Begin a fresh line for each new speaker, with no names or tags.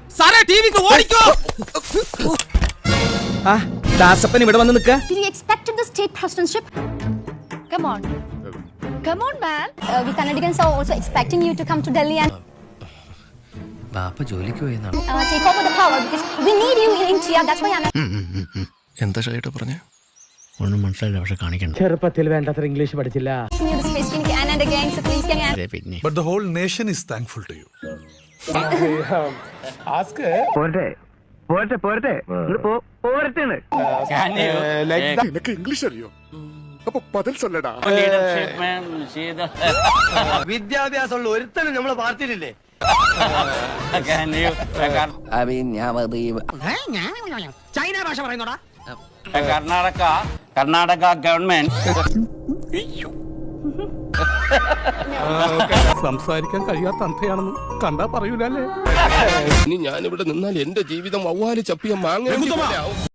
സാറേ ടിവിക്ക് ഓടിക്കോ. ആ ദാസപ്പൻ ഇവിടെ വന്ന് നിൽക്ക.
Did you expect the state presidentship?
Come on. Come on, man.
We Kannadians are also expecting you to come to Delhi and
ബാപ്പ ജോലിക്ക് പോയെന്നാണ്.
take over the power because we need you in India. That's why I'm.
എന്താ ഷൈട്ട് പറഞ്ഞേ?
ഒന്നും മനസ്സിലായില്ല, പക്ഷെ കാണിക്കണ്ട.
ചെറുപ്പത്തിൽ വേണ്ടത്ര ഇംഗ്ലീഷ് പഠിച്ചില്ല.
asking you this question again and again. So please can you
പിന്നെ
But the whole nation is thankful to you.
നിനക്ക് ഇംഗ്ലീഷ് അറിയോ? അപ്പൊ പതിൽ ചൊല്ലടാ.
വിദ്യാഭ്യാസമുള്ള ഒരുത്തനും നമ്മളെ പാർട്ടിയിലില്ലേ?
ചൈന ഭാഷ പറയുന്നോടാ.
കർണാടക ഗവൺമെന്റ്
സംസാരിക്കാൻ കഴിയാത്ത അന്ധയാണെന്ന് കണ്ടാ പറയൂലേ.
ഇനി ഞാനിവിടെ നിന്നാൽ എന്റെ ജീവിതം വവ്വാല് ചപ്പിയ മാങ്ങ